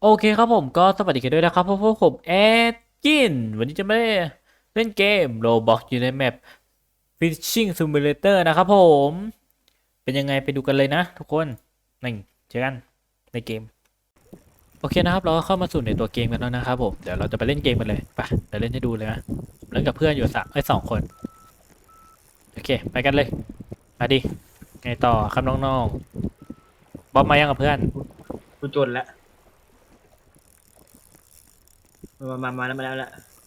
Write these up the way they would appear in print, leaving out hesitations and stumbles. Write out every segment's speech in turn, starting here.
โอเคครับผมก็สวัสดีกันด้วยนะครับพวกผมแอดกินวันนี้จะไม่ได้เล่นเกม Roblox อยู่ในแมป Fishing Simulator นะครับผมเป็นยังไงไปดูกันเลยนะทุกคนนี่เจอกันในเกมโอเคนะครับเราก็เข้ามาสู่ในตัวเกมกันแล้วนะครับผมเดี๋ยวเราจะไปเล่นเกมกันเลยไปเดี๋ยวเล่นให้ดูเลยนะเล่นกับเพื่อนอยู่สองคนโอเคไปกันเลยมาดิไงต่อครับน้องๆบอมมายังกับเพื่อนกูจนแล้วมาแล้ว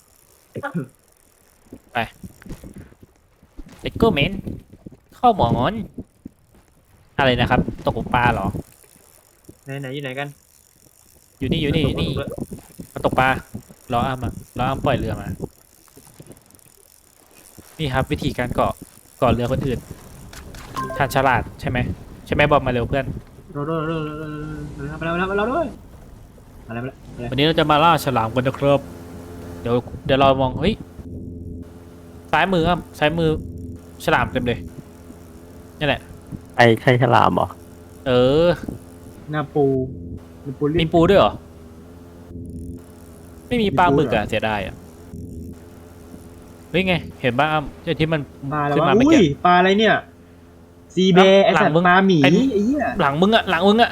เลโก้เมนเข้าหมอนอะไรนะครับตกปลาเหรอไหนอยู่ไหนกันอยู่นี่มาตกปลารออ้ามารออ้ามปล่อยเรือมานี่ครับวิธีการเกาะเรือคนอื่นทานฉลาดใช่ไหมบอมมาเร็วเพื่อนมาแล้วด้วยมาแล้ววันนี้เราจะมาล่าฉลามกันนะครับเดี๋ยวเรามองเฮ้ยซ้ายมืออ้ามซ้ายมือฉลามเต็มเลยนี่แหละไอ้ใช่ฉลามเหรอเออนาปูมีปูด้วยเหรอไม่มีปลาหมึกอะเสียดายอะเฮ้ยไงเห็นบ้างอ้ามที่มันปลาแล้วขึ้นวะมาเมื่ออุ้กี้ยปลาอะไรเนี่ยซีเบร์ไอสัตว์ปลาหมีไอ้เหี้ยหลังมึงอะ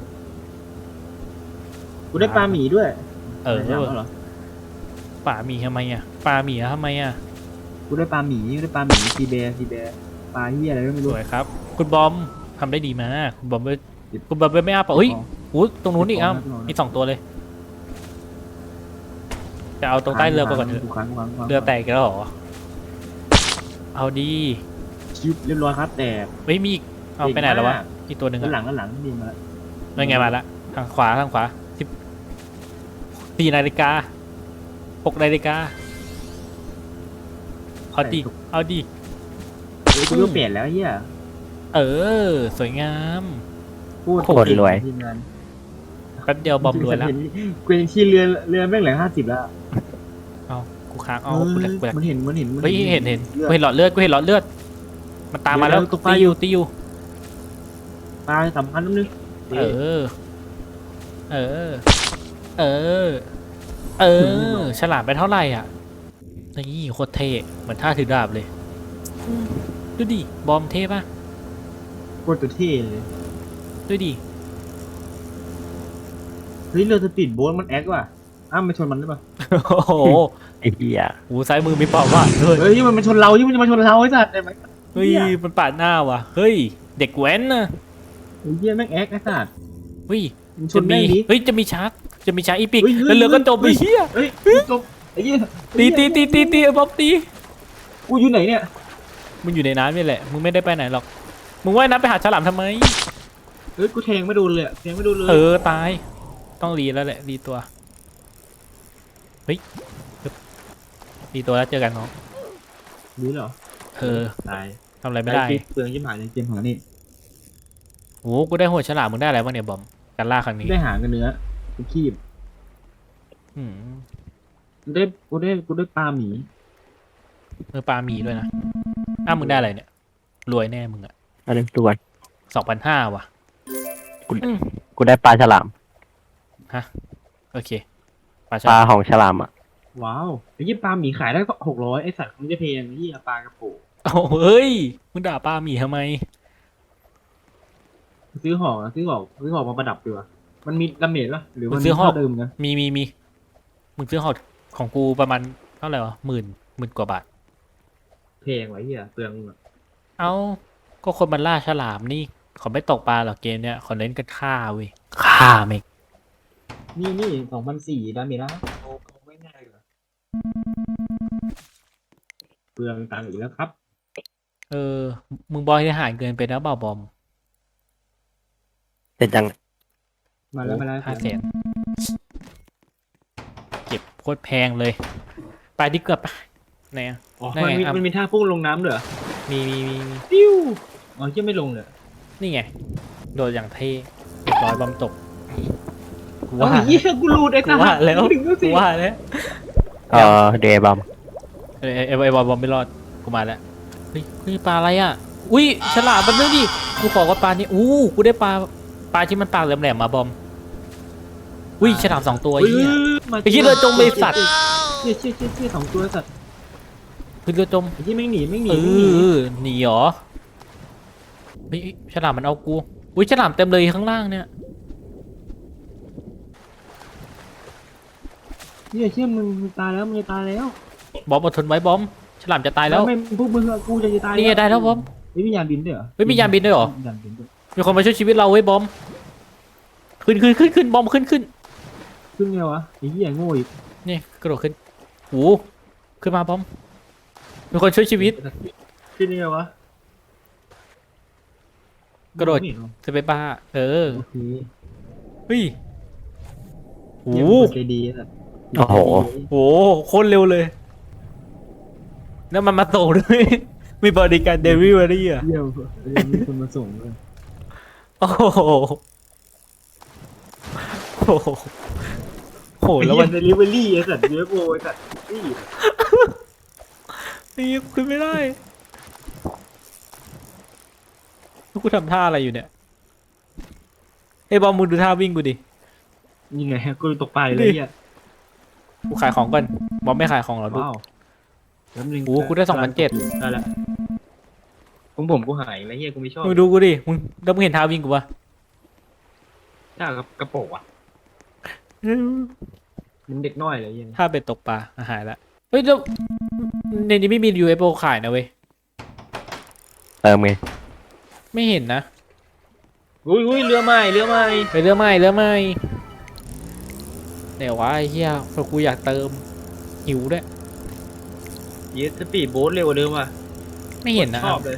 กูได้ปลาหมีด้วยเออป่าหมีทำไมอ่ะปลาหมีทำไมอ่ะกูได้ปลาหมีซีเบร์ปลาเหี้ยอะไรไม่สรู้วยครับคุณบอมทำได้ดีมากคุณบอมไม่อ้าปากเฮ้ยอู้ตรงนู้นอีกอ้าวมี2 ตัวเลยจะเอาตรงใต้เรือไปก่อนเถอะเรือแตกแล้วเหรอเอาดีชิปเรียบร้อยครับแต่ไม่มีอีกเอาไปไหนแล้ววะอีกตัวหนึ่งอ่ะหลังนี่มาแล้วนั่นไงมาละทางขวา4 นาฬิกา 6 นาฬิกาเอาดีกูต้องเปลี่ยนแล้วเหี้ยเออสวยงามพูดโคตรรวยแป๊บเดียวบอมรวยแล้วกูยังที่เรือแม่งเหลือ50แล้วเอากูค้างเอากูแหลกมันเห็นเฮ้ยเห็นกูเห็นหลอดเลือดมันตามมาแล้วตีอยู่ปลาสำคัญนิดนึงเออฉลาดไปเท่าไหร่อ่ะนี่โคตรเท่เหมือนท่าถือดาบเลยดูดิบอมเท่ป่ะโคตรเท่เลยดูดิเฮ้ยเรือสปีดโบ๊ทมันแอคว่ะอ้าวมาชนมันได้ป่ะโอ้โหไอ้เหี้ยหูซ้ายมือมีเปล่าว่ะเฮ้ยมันชนเรามันจะมาชนเราไอ้สัตว์ได้ไหมเฮ้ยมันปาดหน้าว่ะเฮ้ยเด็กแว้นนะไอ้เหี้ยแม่งแอคไอ้สัตว์เฮ้ยจะมีชาร์กอีพิกแล้วเรือก็จมไปเฮียเฮ้ยจมไอ้เหี้ยตีบอมตีกูอยู่ไหนเนี่ยมึงอยู่ในน้ำนี่แหละมึงไม่ได้ไปไหนหรอกมึงว่ายน้ำไปหาฉลามทำไมเฮ้ยกูแทงไม่โดนเลยตายต้องรีแล้วแหละรีตัวเฮ้ยรีตัวแล้วเจอกันน้องรู้เหรอตายทำอะไรไม่ได้เปลืองยิ้มหายในเกมของนี่โอ้กูได้หัวฉลามมึงได้อะไรบ้างเนี่ยบอมการล่าครั้งนี้ได้หางกันเนื้อกูคีบกูได้ปลาหมีปลาหมีด้วยนะมึงได้อะไรเนี่ยรวยแน่มึงอ่ะอะไรตัว 2,500ว่ะกูได้ปลาฉลามฮะโอเคปลาของฉลามอ่ะว้าวไอ้ยี่ปลาหมีขายได้ก็600ไอ้สัตว์มันจะเพลงยี่ปลากระโปงเฮ้ยมึงด่าปลาหมีทำไมซื้อหอกมาประดับดีกว่ามันมีดาเมจป่ะหรือมันซื้อหอกเดิมนะมีมึงซื้อหอกของกูประมาณเท่าไหร่วะหมื่นกว่าบาทเพลงไว้เหี้ยเปลืองเอาก็คนมันล่าฉลามนี่เขาไม่ตกปลาหรอกเกมเนี้ยเขาเล่นกันฆ่าเว้ยฆ่าเมกนี่2,400ดาเมจแล้วโอ้ไม่ง่ายเลยเปลืองตังค์อีกแล้วครับมึงบอยทหารเกินไปนะบ่าวบอมเสร็จยังมาแล้ว 500,000เก็บโคตรแพงเลยไปดิเกือบไปไหนอ่ะมันมีท่าพุ่งลงน้ำเหรอมีปิ้วจะไม่ลงเลยนี่ไงโดดอย่างเท่ร้อยบอมตกว่ากูรูดไอ้ตาแล้วว่าแล้วเดบัมไอ้บอมไม่รอดกูมาแล้วเฮ้ยปลาอะไรอ่ะอุ้ยฉลามมันนึงดิกูขอว่าปลานี้กูได้ปลาที่มันปากแหลมๆมาบอมอุ้ยฉลาม2 ตัวไอ้เฮ้ยเหี้ยมาไอ้เหี้ยเรือจมไอ้สัตว์เชี่ย2 ตัวสัตว์คือเรือจมไอ้เหี้ยแม่งหนีแม่งหนีเอแม่งหนีอหนีเหรอเฮ้ยฉลามมันเอากูอุ้ยฉลามเต็มเลยข้างล่างเนี่ยเชี่ยมึงตายแล้วมึงจะตายแล้วบอมอดทนไว้บอมฉลามจะตายแล้วไม่พวกมึงอะกูจะตายนี่ไงได้แล้วบอมไม่มียานบินด้วยเหรอเฮ้ยมียานบินด้วยเหรอมียานบินด้วยมีคนมาช่วยชีวิตเราเว้ยบอมขึ้นบอมขึ้นขึ้นไงวะไอ้เหี้ยโง่อีกนี่กระโดดขึ้นโอ้ขึ้นมาบอมมีคนช่วยชีวิตขึ้นไงวะกระโดดนี่เหรอจะไปบ้าเออโอเคเฮ้ยโอ้เหี้ยโหมึงใจดีอะโอ้โหโอ้โหโคตรเร็วเลยแล้วมันมาส่งด้วย มีบริการเดลิเวอรี่อ่ะเยี่ยมมีคนมาส่งเลยโอ้โหโอ้โหโอ้โหแล้วมันเดลิเวอรี่ไอ้สัตว์เยอะโว้ยสัตว์นี่นี่ขึ้นไม่ได้กูทำท่าอะไรอยู่เนี่ยไอ้บอมมึงดูท่าวิ่งกูดิยังไงกูตกปลาเลยเนี่ยกูขายของก่อนบอมไม่ขายของเหรอลูกว้าวแป๊บนึงโอ้กูได้2,700 ได้แล้วของผมกูหายแล้วเฮียกูไม่ชอบมึงดูกูดิมึงแล้วมึงเห็นท่าวิ่งกูปะถ้ากกระโปรงอ่ะมันเด็กน้อยเลยเฮียท่าเบ็ดตกปลาหายละเฮ้ยแล้วในนี้ไม่มี UFO ขายนะเว้ยเติมไงไม่เห็นนะอุ้ยเรือใหม่ไปเรือใหม่เดี๋ยววะไอ้เหี้ยเพราะกูอยากเติมหิวด้วยเยสปีดโบ๊ทเร็วกว่าเดิมว่ะไม่เห็นนะชอบเลย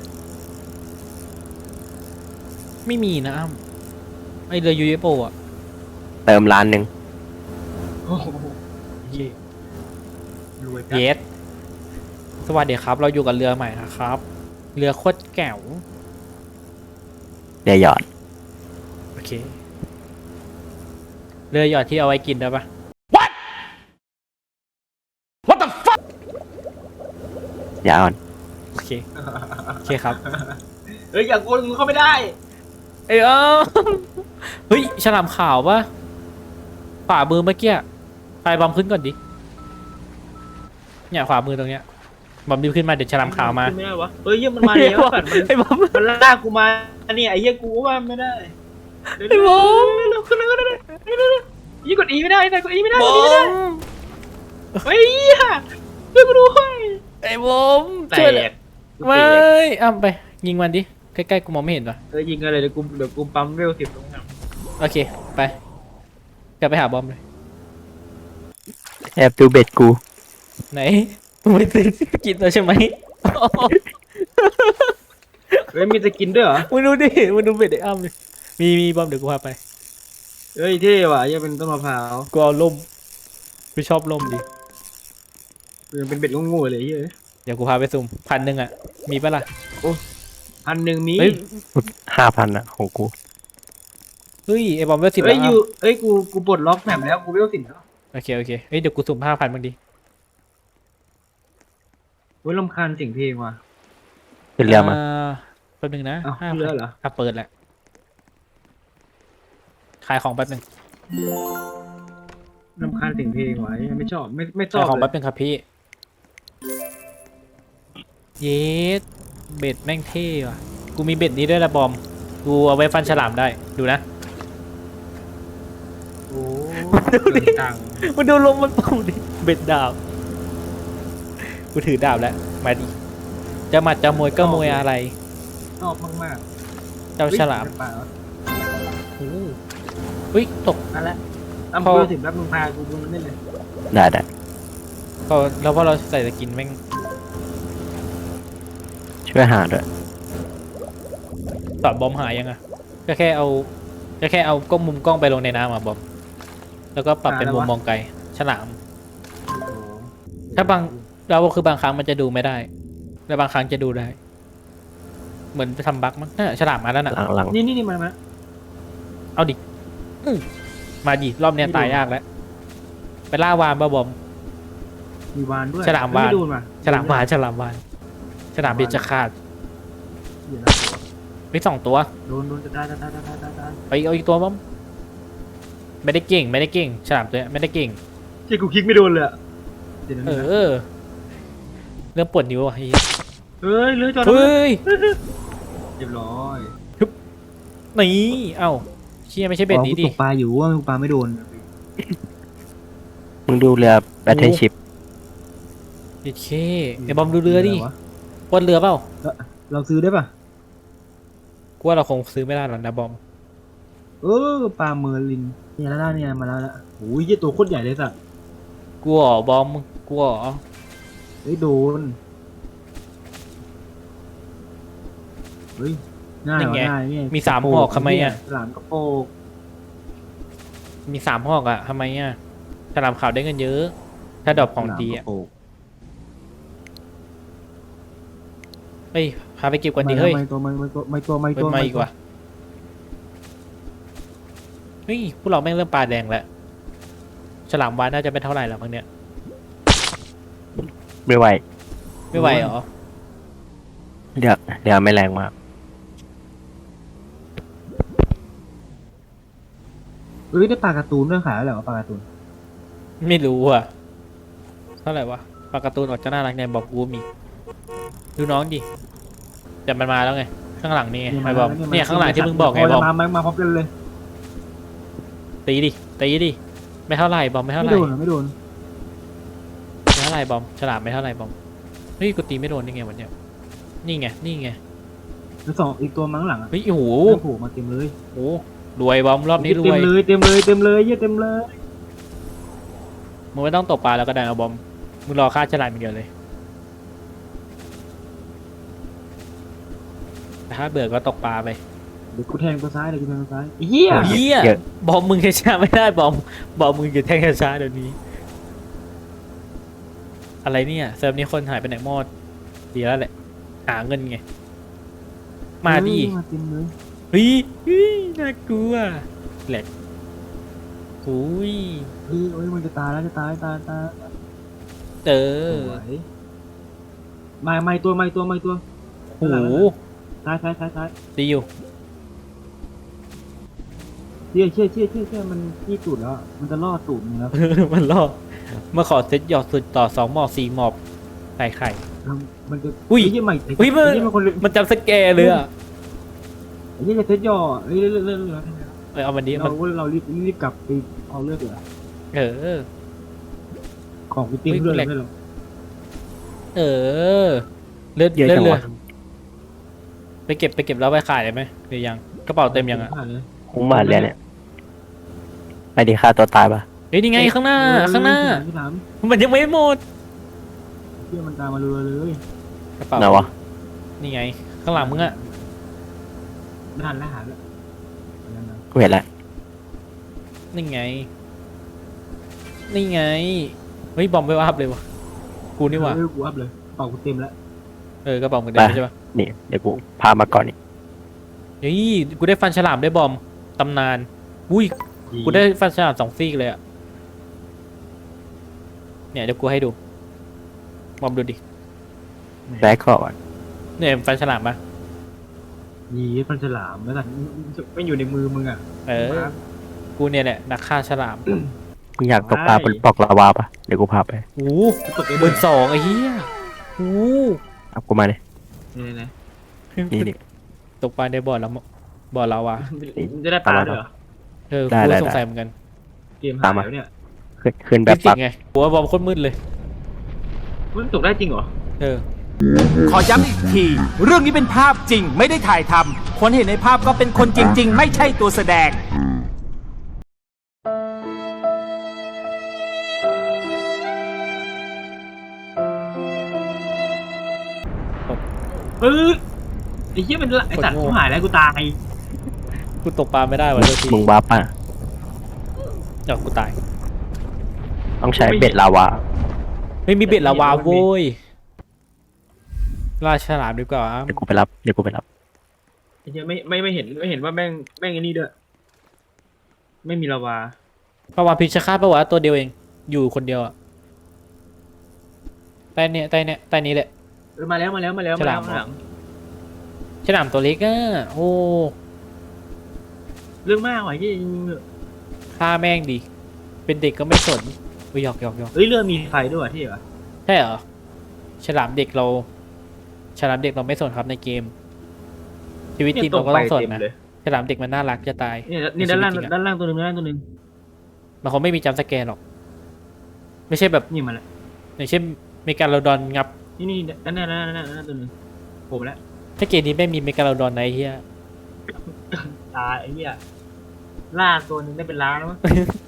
ไม่มีนะอ้ำไอเรือ UFO อ่ะเติม1,000,000 โอ้โหเย่รวยเยสสวัสดีครับ เราอยู่กับเรือใหม่นะครับ เรือโคตรแก๋วเดี๋ยวหยอดโอเค เรือหยอดที่เอาไว้กินได้ปะอย่าอ่อนโอเคโอเคครับเฮ้ยอย่ากวนมึงเข้าไม่ได้เอ้ยเฮ้ยฉลามขาวปะขวามือเมื่อกี้ไฟบอมขึ้นก่อนดิเนี่ยขวามือตรงเนี้ยบอมดิบขึ้นมาเดี๋ยวฉลามขาวมาขึ้นไม่ได้วะเฮ้ยเหี้ยมันมาแล้วสัตว์ไอ้บอมมันลากกูมาเนี่ยไอ้เหี้ยกูว่าไม่ได้ไอ้บอมเร็วขึ้นยี่กดอีไม่ได้แต่กดอีไม่ได้บกอด E ไม่ได้มเฮ้ยเหี้ยช่วยกูด้วยไอ้บอมแตช่วยกไม่อ้ำไป ยิงมันดิ ใกล้ๆกูมองไม่เห็นว่ะยิงอะไรเดี๋ยวกูปั๊มเวล10ตรงนั้นโอเค ไปกลับไปหาบอมเลยแอบดูเบ็ดกูไหนมึงไปซื้อกินแล้วใช่ไหมเฮ้ยมีสกินด้วยเหรอมึงดูดิมึงดูเบ็ดไอ้อ้ำดิมีบอมเดี๋ยวกูพาไปเฮ้ยเท่ว่ะยังเป็นต้นมะพร้าวกูเอาล่มกูชอบล่มดิยังเป็นเบ็ดโง่ๆเลยเฮ้ยเดี๋ยวกูพาไปสุ่ม1,000อ่ะ มีปะล่ะ 1,000มีเฮ้ย 5,000อะของกูเฮ้ยไอ้บอมเวล10 เฮ้แล้ยวอ้ำเฮ้ยกูปลดล็อกแมปแล้วกูเวล10แล้วโอเคเฮ้ยเดี๋ยวกูสุ่ม5,000บ้างดิเฮ้ยรำคาญเสียงเพลงว่ะขึ้นเรือมาแป๊บนึงนะอ้าว 5,000 เรือเหรออ่ะเปิดแหละ ขายของแป๊บนึงรำคาญเสียงเพลงว่ะไม่ชอบไม่ชอขายบของเลแป๊ยบนึงครับพี่ เยสเบ็ดแม่งเท่ว่ะ กูมีเบ็ดนี้ด้วยละบอม กูเอาไว้ฟันฉลามได้ ดูนะโอ้ดูดิตังมาดูลมมันเป่าดิ เบ็ดดาบ กูถือดาบแล้ว มาดิ จะหมัดจะมวยก็มวยอะไรชอบมากเจ้าๆฉลามเฮ้ยโอ้โหเฮ้ย ตกนั่นแหละตั้มพอเวล10แล้วมึงพากูเล่นเลยได้ก็แล้วพอเราใส่สกินแม่งช่วยหาด้วยตอดบอมหายยังอะก็แค่เอากล้องมุมกล้องไปลงในน้ำอะบอม แล้วก็ปรับเป็นมุมมองไกล ฉลาม ถ้าบางเราคือบางครั้งมันจะดูไม่ได้ แล้วบางครั้งจะดูได้ เหมือนไปทำบั๊กมั้งน่ะฉลามมาแล้วน่ะหลังนี่มาเอาดิมาดิรอบเนี้ยตายยากแล้ว ไปล่าวานบ้าบอมมีวานด้วยฉลามวานไดูนว่ะฉลามวานฉลามเบียจะขาดเดี๋ยวนะมี2 ตัวโดนจะตายไปเอาอีกตัวบอม เไม่ได้เก่งไม่ได้เก่งฉลามตัวเนี้ยไม่ได้เก่งเจ๊กูคลิกไม่โดนเลยอะเดี๋ยวนะเออเริ่มปวดนิ้วอ่ะเฮ้ยเฮ้ยเลื้อยจอดเฮ้ยเรียบร้อยนี่เอ้าเชี่ยไม่ใช่เบ็ดนี้อ๋อกูดิตกปลาอยู่ว่ากูปลาไม่โดนมึงดูเรือแบทเทิลชิพเด็ดเคไอ้บอมดูเรือดิปวดเรือเปล่าเราซื้อได้ป่ะกูว่าเราคงซื้อไม่ได้หรอกนะบอมปลาเมอร์ลินเนี่ยแล้วเนี่ยมาแล้วโอ้ยยี่ตัวโคตรใหญ่เลยสัตว์กูอ๋อบอมกูอ๋อเฮ้ยโดนเฮ้ยง่ายว่ะง่ายเนี่ยมี3 หอกทำไมอ่ะหลามกระโปกมี3 หอกอ่ะทำไมอ่ะฉลามขาวได้เงินเยอะ ถ้าดรอปของดีอ่ะหลามกระโปกเฮ้ยพาไปเก็บก่อนดีเฮ้ยไม่ตัวเป็นมาอีกว่ะเฮ้ยพวกเราแม่งเริ่มปลาแดงแล้วฉลามวานน่าจะไม่เท่าไหร่แล้วมั้งเนี่ยไม่ไหวไม่ไหวเหรอเรือไม่แรงมากเฮ้ยได้ปลาการ์ตูนด้วยขายแล้วเหรอปลาการ์ตูนไม่รู้อ่ะเท่าไหร่วะปลาการ์ตูนออกจะน่ารักไงบอกกูมีดูน้องดิแต่มันมาแล้วไงข้างหลังนี่ไงไอ้บอมเนี่ยข้างหลังที่มึงบอกไงบอมมาพร้อมกันเลยตีดิตีดิไม่เท่าไหร่บอมไม่เท่าไม่ไหร่โดนไม่โดนไม่เท่าไหร่บอมฉลามไม่เท่าไหร่บอมเฮ้ยกูตีไม่โดนนี่ไงวันเนี้ยนี่ไงนี่ไงแล้วสองอีกตัวมั้งหลังอ่ะเฮ้ยโอ้โหโอ้โหมาเต็มเลยโอ้รวยบอมรอบนี้รเต็วมยเลยเต็มเลยเต็มเลยเยอะเต็มเลยมึงไม่ต้องตกปลาแล้วก็ได้เอาบอมมึงรอค่าฉลามอย่างเดียวเลยแต่ถ้าเบื่อก็ตกปลาไปเดี๋ยวกูแทงตัวซ้ายเดี๋ยวกูแทงตัวซ้ายเฮียเฮียเยอะบอมมึงช้าไม่ได้บอมมึงจะแทงช้าเดี๋ยวนี้ อะไรเนี่ยเซิร์ฟนี้คนหายไปไหนหมดดีแล้วแหละหาเงินไงมาดิมาเต็มเลยเฮ้ยน่ากลัวแหลกอุ้ยเฮ้ยมันจะตายแล้วจะตายเออสวยไม่ตัวโอ้โหซ้ายดีอยู่เชี่ยมันที่ตูดแล้วมันจะล่อตูดมึงแล้วมันล่อมาขอเซตหยอดสุดต่อ2 หมอก4 หมอกไข่มันจะอุ้ยยี่ใหม่อุ้ยมันคนมันจำสแกร์เลยอ่ะยี่จะเซ็ตย่อเลื่อนเอาวันนี้มันเรารีบกลับไปเอาเลือดเลยเออของกูติ้งเลือดไม่หรอกเออเลือดเยอะเลือดจังเลวะยไปเก็บแล้วไปขายได้ไหมหรือยังกระเป๋าเต็มยังอ่ะคุ้มมากเลยเนี่ยไปดีค่าตัวตายปะเฮ้ยนี่ไงข้างหน้าที่ถามมันยังไม่หมดเชี่ยมันตามมาเรือเลยกระเป๋าไหนวะนี่ไง ข้างหลังมึงอะไม่ทันแล้วหาแล้วกูเห็นแล้วนี่ไงเฮ้ยบอมไปอัพเลยวะกูนี่หว่ากูอัพเลยเป่ากูเต็มแล้วกระเป๋ามึงได้ใช่ปะนี่เดี๋ยวกูพามาก่อนนี่เฮ้ยกูได้ฟันฉลามได้บอมตำนานอุ้ยกูได้ฟันฉลาม2 ซี่เลยอะเนี่ยเดี๋ยวกูให้ดูบอมดูดิได้ก่อนเนี่ยฟันฉลามปะยีฟันฉลามแล้วกันไม่อยู่ในมือมึงอ่ะกูเนี่ยแหละนักฆ่าฉลามมึงอยากตกปลาบนปล่องลาวาปะเดี๋ยวกูพาไปโอ้12,000ไอ้เหี้ยโอ้เอากูมาเลยนี่นี่ตกปลาในบ่อเราวะจะได้ปลาด้วยเหรอกูก็สงสัยเหมือนกันเกมหายแล้วเนี่ยขึ้นแบบฟิสิปักกส์ไงกูว่าบอมโคตรมืดเลยมันตกได้จริงเหรอขอย้ำอีกที เรื่องนี้เป็นภาพจริงไม่ได้ถ่ายทำคนเห็นในภาพก็เป็นคนจริง ๆ ไม่ใช่ตัวแสดงไอ้เหี้ยมันไอ้สัตว์กูหายแล้วกูตายกูตกปลาไม่ได้วะเดี๋ยวทีมึงบ้าป่ะเดี๋ยวกูตายต้องใช้เบ็ดลาวาไม่มีเบ็ดละวาโว้ยล่าฉลามดีกว่าเดี๋ยวกูไปรับไอ้เหี้ยไม่เห็นว่าแม่งไอ้นี่ด้วยไม่มีลาวาปลาวาฬพิชฆาตปะวะตัวเดียวเอง อยู่คนเดียวอะใต้นี้แหละมาแล้วข้างหลังฉลามตัวเล็กอะโอ้เรื่องมากว่ะยี่ขฆ่าแม่งดิเป็นเด็กก็ไม่สนอุ๊ยหยอกเฮ้ยเรือมีไฟด้วยว่ะที่เหรอใช่เหรอฉลามเด็กเราไม่สนครับในเกม ชีวิตจริงเราก็ต้องสนเต็มนะเลยฉลามเด็กมันน่ารักจะตายเนี่ยนี่ด้านล่างในชีวิตจริงอะด้านล่างตัวหนึ่งด้านล่างตัวหนึ่งมันคงไม่มีจัมป์สแกนหรอก ไม่ใช่แบบนี่มาแล้วอย่างเช่นเมกาโลดอนงับนี่ด้านหน้าตัวหนึ่งผมแล้วถ้าเกมนี้ไม่มีเมกาโลดอนในะไอ้เฮียตายไอ้เหี้ยล่าตัวหนึ่งได้เป็นล้านแล้วมั้ง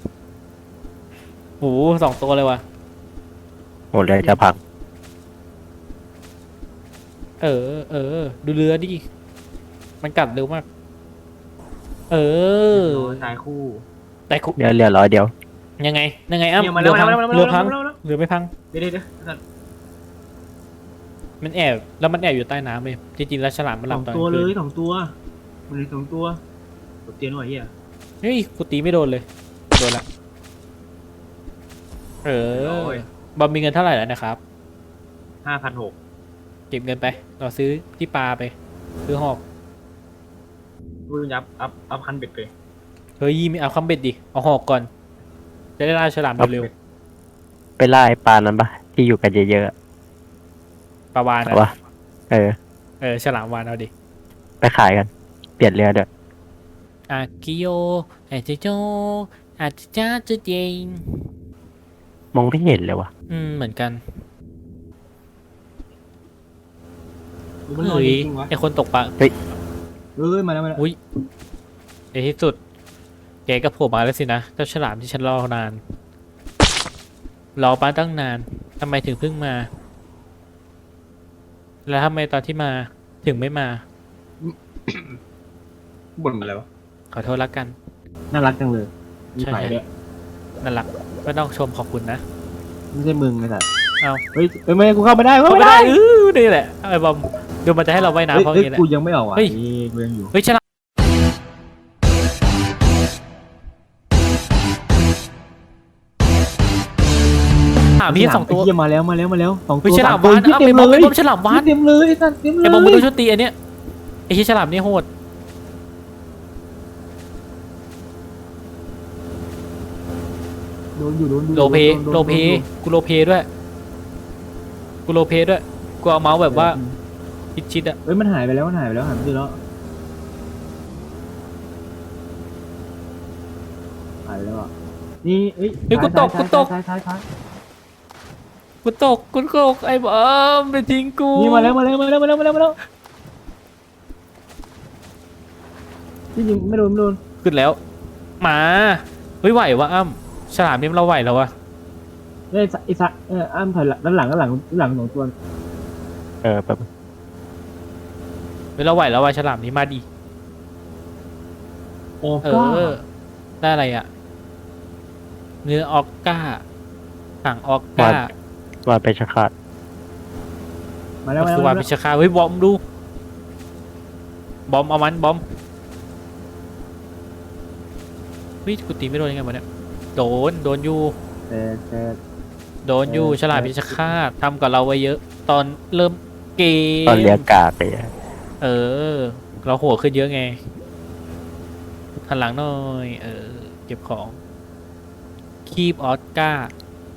โห2 ตัวเลยว่ะโหเรือจะพังดูเรือดิ มันกัดเร็วมากตายคู่แต่คุเรือร้อยเดียวยังไงอ้ำเนี่ยมาเรืแล้วอพังมาแล้วเรือพังมาแล้วเรือไม่พังเดี๋ยวมันแอบแล้วมันแอบอยู่ใต้น้ำเลยจริงๆแล้วฉลามมันหสลัอบ งตอนตัวกลางเลคืนย2 ตัวมันเลย2 ตัวตบเตียนหน่อยเหี้ยเฮ้ยกูตีไม่โดนเลยโดนละบอมมีเงินเท่าไหร่แล้วนะครับ 5,600 เก็บเงินไป เราซื้อที่ปลาไป ซื้อหอกดูยับอัพคันเบ็ดเลยเฮ้ยไม่เอาคำเบ็ดดิ เอาหอกก่อน จะได้ล่าฉลามเร็วไปล่าไอ้ปลานั้นปะที่อยู่กันเยอะๆอะๆปลาวานเอาอะวะฉลามวานเอาดิไปขายกัน เปลี่ยนเรือเด้ออากิโยอาจิโจอาจิจ้าจุเจงมองไม่เห็นเลยวะเหมือนกันมันลอยเฮ้ยจริงวะไอคนตกปลาเฮ้ยมาแล้วอุ้ยในที่สุดแกก็โผล่มาแล้วสินะ เจ้าฉลามที่ฉันรอนาน รอป้าตั้งนานทำไมถึงเพิ่งมา แล้วทำไมตอนที่มาถึงไม่มาบ่นมาแล้วขอโทษละกันน่ารักจังเลยมีใช่ไฟด้วยนั่นแหละไม่ต้องชมขอบคุณนะไม่ใช่มึงไอ้สัสเอาเฮ้ยไม่กูเข้าไม่ได้เข้าไม่ได้นี่แหละไอ้บอมเดี๋ยวมันจะให้เราว่ายน้ำเพราะอย่างนี้แหละกูยังไม่ออกอ่ะเฮ้ยกูยังอยู่เฮ้ยฉลามพี่2 ตัวเหี้ยมาแล้ว2 เฮ้ตัยว ฉลามตัววานเต็เอามไปบอมเลไปยบอมฉลามวานเต็มเลยไอ้สัสเต็มเลยไอ้บอมมึงดูชุดตีอันเนี้ยไอ้ที่ฉลามนี่โหดโลเพกูโลเพด้วยกูเอาเมาส์แบบว่าชิดๆอะเฮ้ยมันหายไปแล้วหายไปแล้วอ่ะนี่เอ้ยเฮ้ยกูตกท้ายกูตกไอ้บอมไปทิ้งกูนี่มาแล้วที่จริงไม่โดนขึ้นแล้วมาเฮ้ยไหววะอ้ำฉลามนี่เราไหวแล้ววะเนี่ยไอ้สัสอ้ามถอยด้านหลัง2 ตัวแบบเฮ้ยเราไหวแล้ววะฉลามนี้มาดิโอ้เอก็อได้อะไรอะเนื้อออกก้าถังออกก้าว่าไปชะขาดมาแล้วก็คือว่าพิชคาเฮ้ยบอมดูบอมเอามันบอมเฮ้ยกูตีไม่โดนยังไงวะเนี่ยโดนอยู่แต่โดนอยู่ฉลาดพิชคาตทำกับเราไว้เยอะ ตอนเริ่มเกมตอนเรือกาไปอะเราหัวขึ้นเยอะไงหันหลังหน่อย เก็บของคีบออสการ์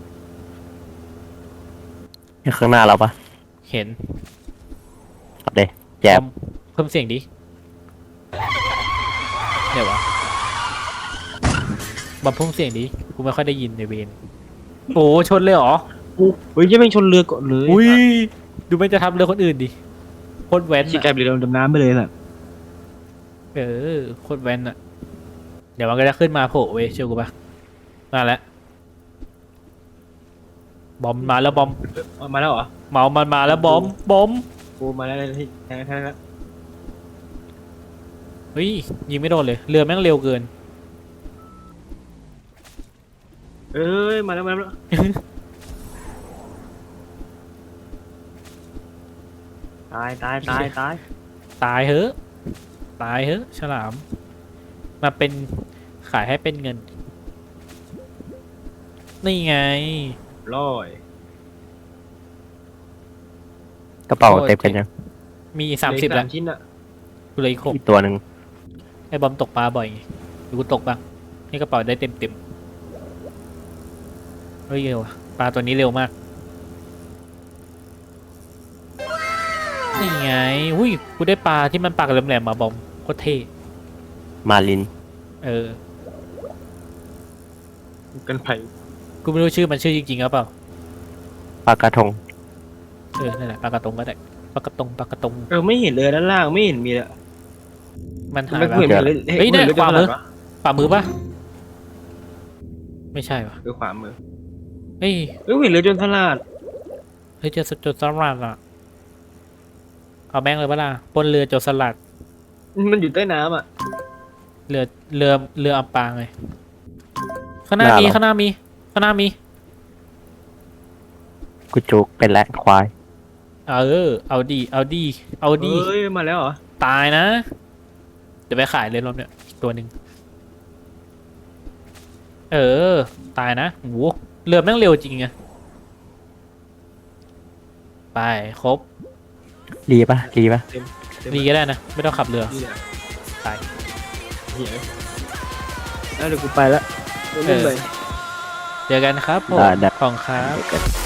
นี่ข้างหน้าเราปะเห็นขับเดแจ๊บบอมเพิ่มเสียงดิเดี๋ยววะบอมเพิ่มเสียงดิกูไม่ค่อยได้ยินในเวนโอ้ชนเลยเหรอเฮ้ยยังไม่ชนเรือก่อนเลยอุ้ยดูมันจะทำเรือคนอื่นดิโคตรแว้นชิกลายเป็นเรือดำน้ำไปเลยสัสโคตรแว้นอะเดี๋ยวมันก็จะขึ้นมาโผล่เว้ยเชื่อกูปะมาแล้วบอมมาแล้วบอมมาแล้วเหรอเมามันมาแล้วบอมกูมาแล้วที่แทงแล้วเฮ้ยยิงไม่โดนเลยเรือแม่งเร็วเกินเอ้ยมาแล้วตายตายเฮ้อะฉลามมาเป็นขายให้เป็นเงินนี่ไงร้อยกระเป๋าเต็มกันยังมี30แล้วชิ้นอะกูเลยอีก6 อีกตัวหนึ่งไอ้บอมตกปลาบ่อยไงหรือกูตกบ้างนี่กระเป๋าได้เต็มเฮ้ยเร็วอะปลาตัวนี้เร็วมากนี่ไงหุ้ยกูได้ปลาที่มันปากแหลมๆมาบอมโคตรเท่มาลินเออกันไผ่กูไม่รู้ชื่อมันชื่อจริงๆหรือเปล่าปลากระทงเออนั่นแหละปลากระตงก็ได้ปลากระตงไม่เห็นเลยด้านล่างไม่เห็นมีเลยมันหายไม่ไปเห็นมีเลยเฮ้ยเนี่ยห็ขวามือวะฝ่ามือปะไม่ใช่ปะคือขวามือเฮ้ยเห็นเลยจนสลัดเฮ้ยเจอโจรสลัดอ่ะเอาแม่งเลยปะล่ะปล้นเรือโจรสลัดมันอยู่ใต้น้ำอ่ะเรืออับปางเลยข้างหน้ามีข้างหน้ามีกูจุกเป็นและควายเอาดีเฮ้ยมาแล้วเหรอตายนะเดี๋ยวไปขายเลยรอบเนี้ยอีกตัวหนึ่งตายนะโหเรือแม่งเร็วจริงไงไปครบรีปะดีก็ได้นะไม่ต้องขับเรือนี่แหละตายเหี้ยแล้วเดี๋ยวกูไปละเออ เจอกันครับผมได้ของครับเดี๋ยวกัน